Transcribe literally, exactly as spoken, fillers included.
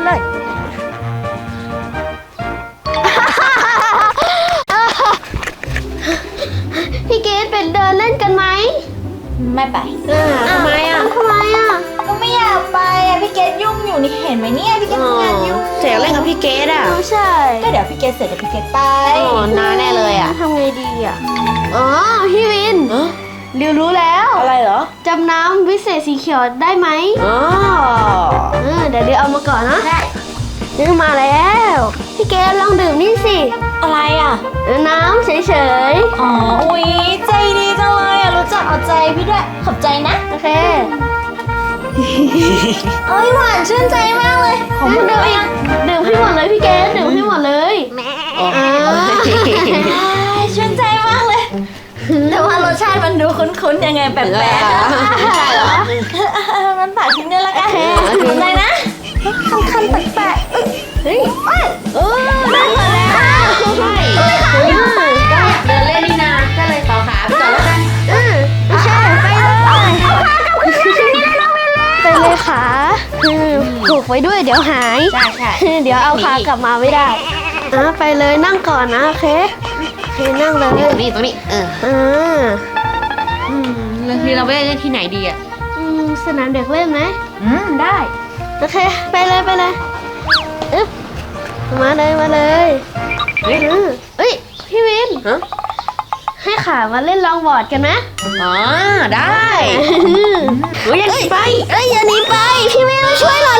เลยพี่เกดเป็นเดินเล่นกันไหมไม่ไปทำไมอ่ะทำไมอ่ะก็ไม่อยากไปอ่ะพี่เกดยุ่งอยู่นี่เห็นไหมเนี่ยพี่เกดทำงานยุ่งเสียเล่นกับพี่เกดอ่ะใช่ก็เดี๋ยวพี่เกดเสร็จเดี๋ยวพี่เกดไปโอ้นานแน่เลยอ่ะทำไงดีอ่ะอ๋อพี่วินริวรู้แล้วอะไรเหรอจำน้ำวิเศษสีเขียวได้ไหมอ๋อเดี๋ยวเดี๋ยวเอามาก่อนนะได้นี่มาแล้วพี่เกดลองดื่มนี่สิอะไรอ่ะน้ำเฉยๆอ๋ออุ๊ยใจดีจังเลยอ่ะรู้จักเอาใจพี่ด้วยขอบใจนะโอเคเอ้ยหวานชื่นใจมากเลยขอบคุณมากดื่มให้หมดเลยพี่เกดดื่มให้หมดเลยชื่นใจมากเลยแต่ว่ารสชาติมันดูคุ้นๆยังไงแปลกๆใช่เหรอมันปากทิ้งได้ละกันขอบใจนะคันๆแปลกๆเฮ้ยเออได้หมดแล้วใช่เดินเล่นนี่นาก็เลยต่อขาไปก่อนแล้วกันเออใช่ไปเลยไปเลยขาผูกไว้ด้วยเดี๋ยวหายใช่ใช่เดี๋ยวเอาขากลับมาไม่ได้อ่ะไปเลยนั่งก่อนนะโอเคโอเคนั่งเลยตรงนี้ตรงนี้เอออ่าอืมแล้วที่เราไปเล่นที่ไหนดีอ่ะอืมสนามเด็กเล่นไหมอืมได้โอเคไปเลยไปเลยอึ๊บมาเลยมาเลยเฮ้ยเฮ้ยพี่วินฮะให้ขามาเล่นลองบอร์ดกันไหมอ๋อได้เฮ้ยอย่าหนีไปเอ้ยอย่าหนีไปพี่วินมาช่วยหน่อย